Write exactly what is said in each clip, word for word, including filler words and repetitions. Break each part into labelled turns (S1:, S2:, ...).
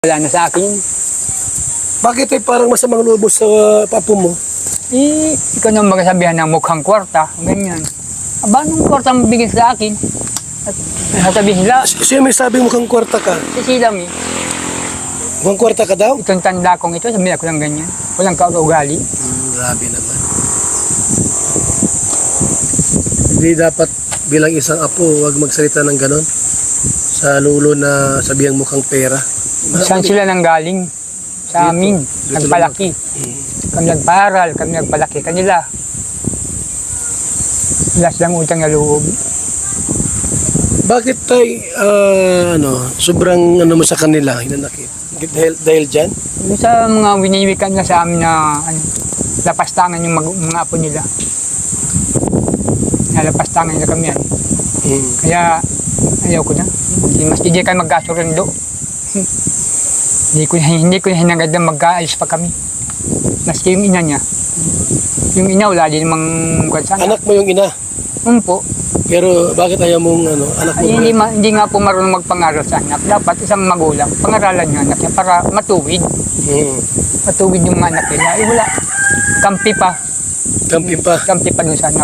S1: Wala na sa akin.
S2: Bakit ay parang masamang loob mo sa uh, papo mo?
S1: Eh, ikaw na magsasabihan ng mukhang kwarta, ganyan. Aba, anong kwarta mo bigyan sa akin? At sasabihin sila,
S2: Siya may sabi mukhang kwarta ka.
S1: si Sila mi,
S2: Mukhang kwarta ka daw?
S1: itong tanda kong ito, sabihin ako ng ganyan. Walang kaugali.
S2: Hmm, grabe naman. Hindi dapat bilang isang apo, huwag magsalita ng ganon. Sa lulo na sabihang mukhang pera.
S1: Saan sila nang galing? Sa amin,
S2: Dito
S1: nagpalaki.
S2: Hmm.
S1: Kami nagparal, kami nagpalaki kanila. Wala silang utang na loob.
S2: Bakit tay, ah, ano, sobrang ano mo sa kanila, hinanakit? Dahil, dahil dyan?
S1: Yung sa mga winiwikan na sa amin na ano, lapastangan yung mag, mga apo nila. Nalapastangan nila kami yan.
S2: Hmm.
S1: Kaya ayaw ko na. Hindi mas hindi kayo magkasurundo. hindi ko hindi ko hinangad na magkaalis pa kami. Maski yung ina niya. Yung ina wala din namang kwansana.
S2: Anak mo yung ina.
S1: Um po.
S2: Pero bakit ayaw mong ano, anak mo?
S1: Ay, hindi, ma, hindi nga po marunong magpangaral sa anak. Dapat isang magulang, pangaralan yung anak niya para matuwid.
S2: Hmm.
S1: Matuwid yung anak nila. Eh wala. Kampi pa.
S2: Kampi pa.
S1: Kampi pa dun sa anak.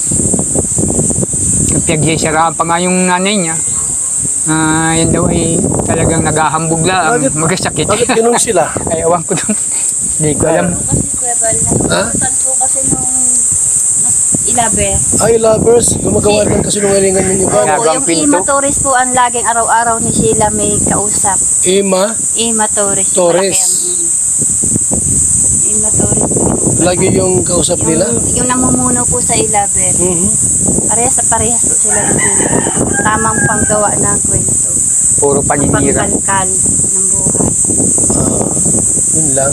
S1: Pinagsisiraan pa nga yung nanay niya. Ah, yan daw ay talagang naghahambog lang,
S2: Bakit-
S1: magkasakit.
S2: Bakit ganun sila?
S1: Ay, awan ko doon. Hindi ko alam.
S3: Kasi Kuya Bal,
S2: Ha?
S3: nakukutan po kasi nung mas ilabe.
S2: Ay, lovers, gumagawa ng kasinungalingan yung iba.
S1: Opo.
S3: Opo,
S1: Ginagawang
S3: yung
S1: pinto.
S3: Ima Torres po ang laging araw-araw ni Sheila may kausap.
S2: Ima,
S3: Ima Torres.
S2: Torres.
S3: malaki ang- Ima Torres.
S2: lagi yung kausap nila.
S3: Yung, yung namumuno po sa ilabe.
S2: Mhm.
S3: Parehas sa parehas po sila ng Sheila. Tamang panggawa ng kwento.
S1: Puro paninira.
S3: Pangkalkal ng buhay.
S2: Ah, yun lang.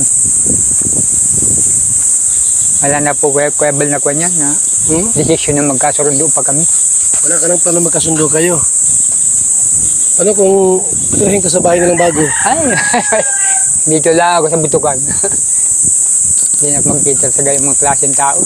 S1: Wala na po, kuya, kuya Bal na kuya niya na
S2: Hmm?
S1: desisyon na magkasurundo pa kami.
S2: Wala ka nang plano magkasundo kayo. Ano kung patirahin ka sa bahay nilang bago?
S1: Ay, dito lang ako sa butukan. Hindi na ako magkita sa gayong mga klaseng tao.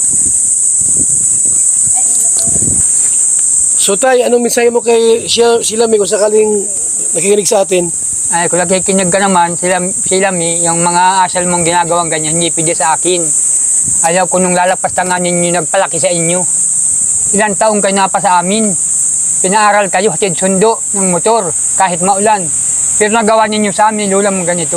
S2: So tay, anong mensahe mo kay siya, sila may kung sakaling nakikinig sa atin?
S1: Ay, kung nakikinig ka naman, sila, sila mi, yung mga asal mong ginagawang ganyan, hindi pwede sa akin. Ayaw ko nung lalapastangan ninyo nagpalaki sa inyo. Ilang taong kayo napa sa amin. Pinaaral kayo, hatid sundo ng motor, kahit maulan. Pero nagawa ninyo sa amin, lula mong ganito.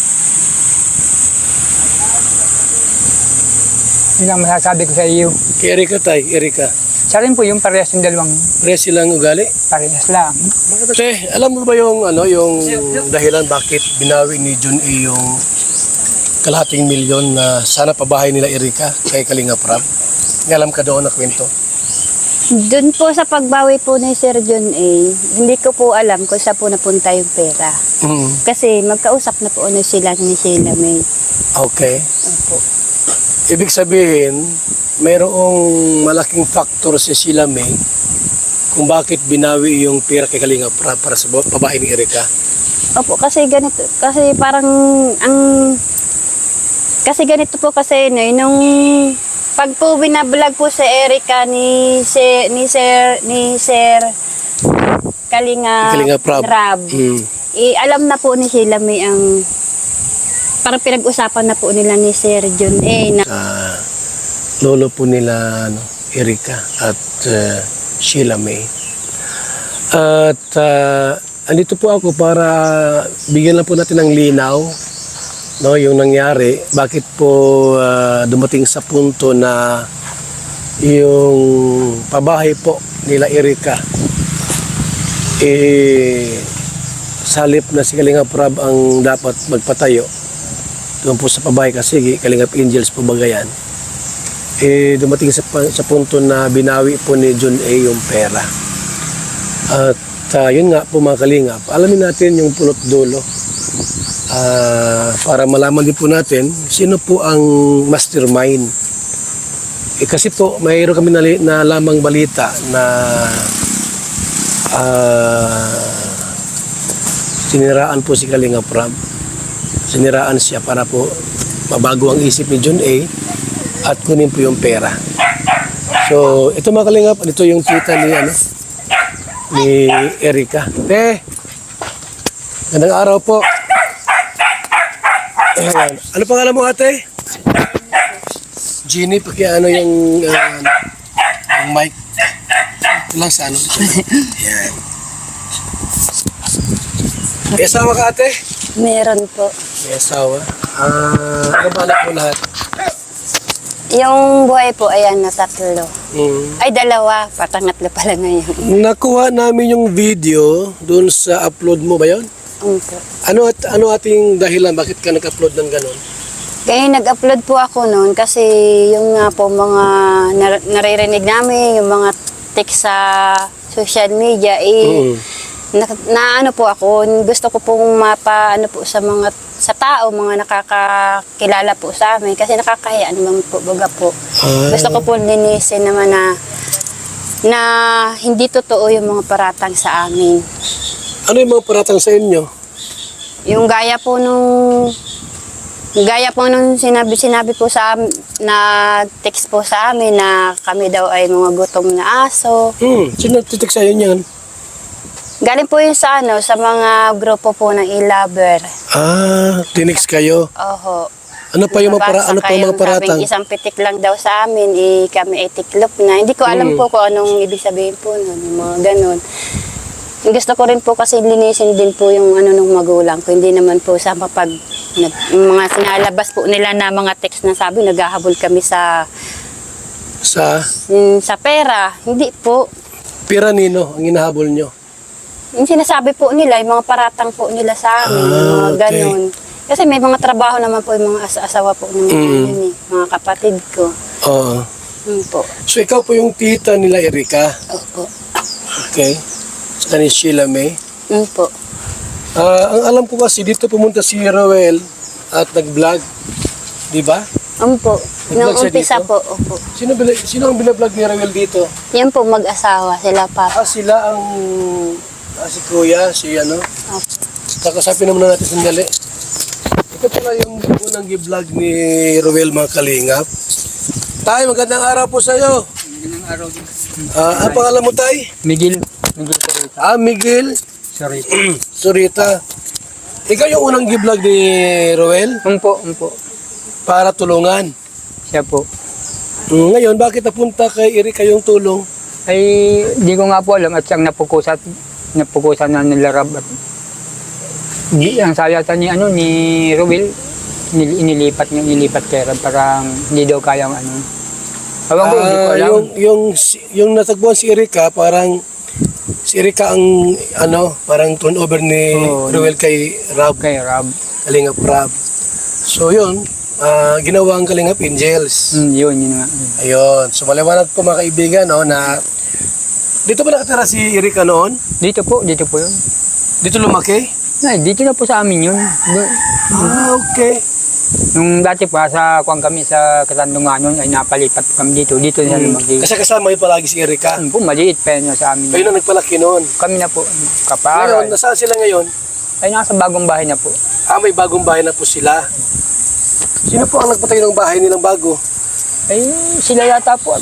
S1: Yun ang masasabi ko sa iyo.
S2: Kay Erika tay, Erika.
S1: Sa rin po yung parehas ng dalawang
S2: Pare silang ugali.
S1: parehas lang.
S2: Te, alam mo ba yung ano, yung dahilan bakit binawi ni Jun A yung kalahating milyon na sana pabahay nila Erika kay Kalinga Prab? May alam ka doon na kwento?
S3: Doon po sa pagbawi po ni Sir John A, hindi ko po alam kung saan po napunta yung pera.
S2: Mm.
S3: Kasi magkausap na po ano sila ni Sheila May.
S2: Okay.
S3: Opo.
S2: Ibig sabihin, mayroong malaking factor si Sheila May kung bakit binawi yung pera kay Kalinga Prab para sa babae ni Erika.
S3: Opo, kasi ganito, kasi parang ang kasi ganito po kasi no, nung pag po binablog po sa Erika ni si, ni Sir ni Sir Kalinga,
S2: Kalinga Prab.
S3: Rab,
S2: Mm.
S3: eh, alam na po ni Sheila May ang parang pinag-usapan na po nila ni Sir John A na
S2: Ah, lolo po nila ano, Erika at uh, Sheila May. At uh, andito po ako para bigyan lang po natin ng linaw no, yung nangyari. Bakit po uh, dumating sa punto na yung pabahay po nila Erika eh salip na si Kalinga Prab ang dapat magpatayo doon po sa pabahay kasi Kalingap Angels po bagayan, eh dumating sa, sa punto na binawi po ni John A yung pera. At uh, yun nga po mga Kalingap, alamin natin yung pulot dulo uh, para malaman din po natin sino po ang mastermind. Eh, kasi po mayroon kami nali, na lamang balita na uh, siniraan po si Kalinga Prab. Siniraan siya para po mabago ang isip ni John A at kunin po yung pera. So, ito mga Kalingap, ito yung tita ni ano ni Erika. Te, gandang araw po. Ayan. Ano pangalan mo, ate? Jeannie, pakiano yung, uh, yung mic. Ito lang sa ano. Ayan. May asawa ka, ate?
S3: Meron po.
S2: May asawa. Ah, ano ba anak mo lahat?
S3: Yung buhay po, ayan na tatlo.
S2: Mm.
S3: Ay, dalawa. Patangatlo pala ngayon.
S2: Nakuha namin yung video dun sa upload mo ba yun?
S3: Um, po.
S2: Ano at ano ating dahilan? Bakit ka nag-upload ng ganon?
S3: Kaya nag-upload po ako noon kasi yung nga po mga nar- naririnig namin, yung mga text sa social media, eh,
S2: Mm.
S3: na, na ano po ako, gusto ko pong mapa, ano po sa mga, sa tao, mga nakakakilala po sa amin, kasi nakakahiya naman po, baga po.
S2: Ah.
S3: Gusto ko po linisin naman na, na hindi totoo yung mga paratang sa amin.
S2: Ano yung mga paratang sa inyo?
S3: Yung gaya po nung gaya po nung sinabi sinabi po sa am- na text po sa amin na kami daw ay mga gutom na aso.
S2: Hmm, sino titik sa'yo niyan?
S3: Galing po yun sa ano sa mga grupo po ng e-lover.
S2: Ah, tinix kayo.
S3: Oho.
S2: Ano pa yung mga, para,
S3: Nabasa
S2: ano pa yung mga
S3: kayong
S2: paratang?
S3: sabing isang pitik lang daw sa amin, eh, kami ay tiklop na. Hindi ko alam
S2: Hmm.
S3: po kung anong ibig sabihin po nun, yung mga ganun. Gusto ko rin po kasi linisin din po yung ano nung magulang ko. Hindi naman po sa mapag nag, yung mga sinalabas po nila na mga text na sabi naghahabol kami sa
S2: Sa
S3: yung sa pera. Hindi po.
S2: Piranino ang hinahabol nyo.
S3: Yung sinasabi po nila, yung mga paratang po nila sa amin,
S2: Ah,
S3: yung mga
S2: okay.
S3: ganun. Kasi may mga trabaho naman po yung mga asa- asawa po ng mga,
S2: Mm.
S3: yun eh, mga kapatid ko.
S2: Oo.
S3: Yun po.
S2: So ikaw po yung tita nila Erika.
S3: Opo.
S2: Okay. Sa ni Sheila May.
S3: Yun po.
S2: Ah, ang alam ko kasi dito pumunta si Roel at nag-vlog. Di ba?
S3: Yun po.
S2: Nag-vlog
S3: Nung
S2: siya
S3: umpisa
S2: dito?
S3: po, opo.
S2: Sino, bila- sino ang binablog ni Roel dito?
S3: Yan po mag-asawa, sila pa.
S2: Ah, sila ang ah, si Kuya, si ano.
S3: Opo.
S2: Kakasapin naman natin sandali. Ito pala yung unang gi-vlog ni Roel mga kalingap. Tay, magandang araw po sa iyo.
S1: Magandang araw din.
S2: Ah, ang pangalan mo, Tay?
S1: Miguel. Miguel Sarita.
S2: Ah, Miguel
S1: Sarita.
S2: Surita. Ikaw yung unang gi-vlog ni Roel
S1: Umpo, umpo.
S2: para tulungan.
S1: Siya po.
S2: Mm, Ngayon, bakit napunta kay Erika yung tulong?
S1: Ay, di ko nga po alam at siyang napukusan, napukusan na nilarab at di, ang sayatan ni ano ni Ruel nil- inilipat niya inilipat kay Rab parang hindi daw kayang ano. Ewan ko, hindi ko
S2: Ah,
S1: alam.
S2: yung yung si- yung natagpuan si Erika, parang si Erika ang ano, parang turnover ni
S1: Oo.
S2: Roel kay Rab,
S1: Kay Rab.
S2: Kalingap Rab. So yun, ah, ginawa ang Kalingap Angels.
S1: Hmm, yun, yun nga.
S2: Ayun. So maliwanag po mga kaibigan, no, na dito ba nakatira si Erika noon?
S1: Dito po, dito po yun.
S2: Dito lumaki?
S1: Ay, dito na po sa amin yun. Do-
S2: Ah, okay.
S1: Nung dati pa sa kuwang kami sa Katandunganon ay napalipat kami dito. Dito na
S2: Hmm.
S1: lumaki.
S2: Kasi kasama yun palagi si Erika.
S1: Ano po, maliit pa yun sa amin.
S2: Kayo na nagpalaki noon.
S1: Kami na po,
S2: Ngayon,
S1: kaparal.
S2: nasaan sila ngayon?
S1: Ay, nasa bagong bahay na po.
S2: Ah, may bagong bahay na po sila. Sino po ang nagpatayo ng bahay nilang bago?
S1: Ay, sila yata po.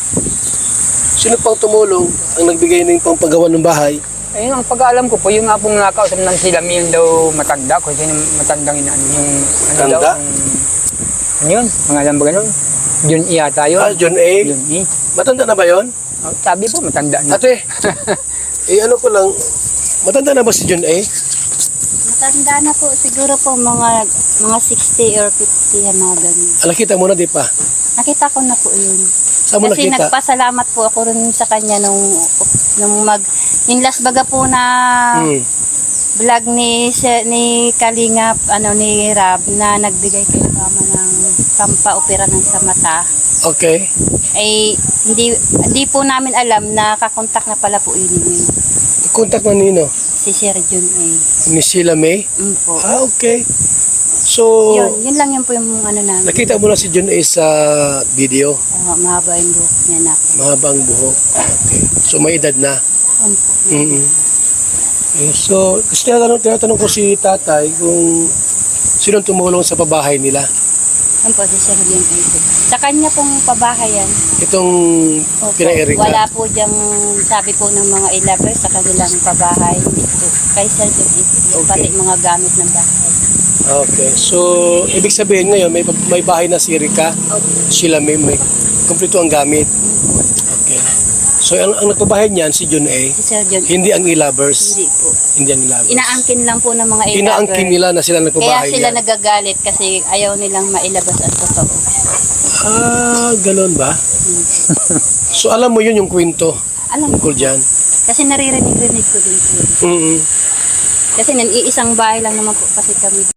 S2: Sino pang tumulong ang nagbigay ng pampagawa ng bahay?
S1: Ayun, ang pag-aalam ko po, yung nga pong nakausap ng sila, yung daw matanda, kung sino matandang ina, yung ano
S2: Tanda?
S1: daw, ang, ano yun, mga alam ba ganun? Yun yata yun.
S2: Ah, John A.
S1: Yun eh.
S2: Matanda na ba yon?
S1: Oh, sabi po, matanda na.
S2: Ate, eh ano ko lang, matanda na ba si John A?
S3: Matanda na po, siguro po mga mga sixty or fifty yan mga ganun.
S2: Ala, kita mo na, di pa.
S3: Nakita ko na po yun.
S2: Saan mo
S3: Kasi
S2: nakita?
S3: nagpasalamat po ako rin sa kanya nung, nung mag, yung last baga po na
S2: Hmm.
S3: vlog ni, si- ni Kalingap, ano ni Rab, na nagbigay kay mama ng pampaopera ng sa mata.
S2: Okay.
S3: Ay, hindi, hindi po namin alam na kakontak na pala po yun yun.
S2: Contact na nino?
S3: Si Sir Jun A.
S2: Ni Sheila May?
S3: Mm po.
S2: Ah, okay. So,
S3: Yun, yun lang yun po yung ano namin.
S2: nakita mo na si John A sa video.
S3: Uh, mahaba yung buhok niya na.
S2: Mahaba ang buhok. Okay. So, may edad na.
S3: Yun po.
S2: Mm-hmm. Okay, so, kasi tinatanong, tinatanong ko si tatay kung sino tumulong sa pabahay nila.
S3: Yun po, si Sir Jun A po. Sa kanya pong pabahayan.
S2: Itong
S3: Opo,
S2: kina Erika.
S3: wala po diyang sabi po ng mga ilabers sa kanilang pabahay dito. Kay Sir Jun A po.
S2: Okay.
S3: Pati mga gamit ng bahay.
S2: Okay. So, ibig sabihin ngayon, may, may bahay na si Erika. Sila may, may kumpleto ang gamit. Okay. So, ang, ang nagpabahay niyan, si John A.
S3: Si Sir John.
S2: Hindi ang e-lovers.
S3: Hindi po.
S2: Hindi ang e-lovers.
S3: Inaangkin lang po ng mga ilaber.
S2: Inaangkin nila na sila
S3: Kaya
S2: nagpabahay
S3: sila
S2: niyan.
S3: nagagalit kasi ayaw nilang mailabas ang totoo.
S2: Ah, ganun ba? So, alam mo yun yung kwento
S3: Alam ko.
S2: tungkol dyan.
S3: Kasi naririnig-rinig ko din po.
S2: Mm
S3: Kasi nan iisang bahay lang naman po kasi kami.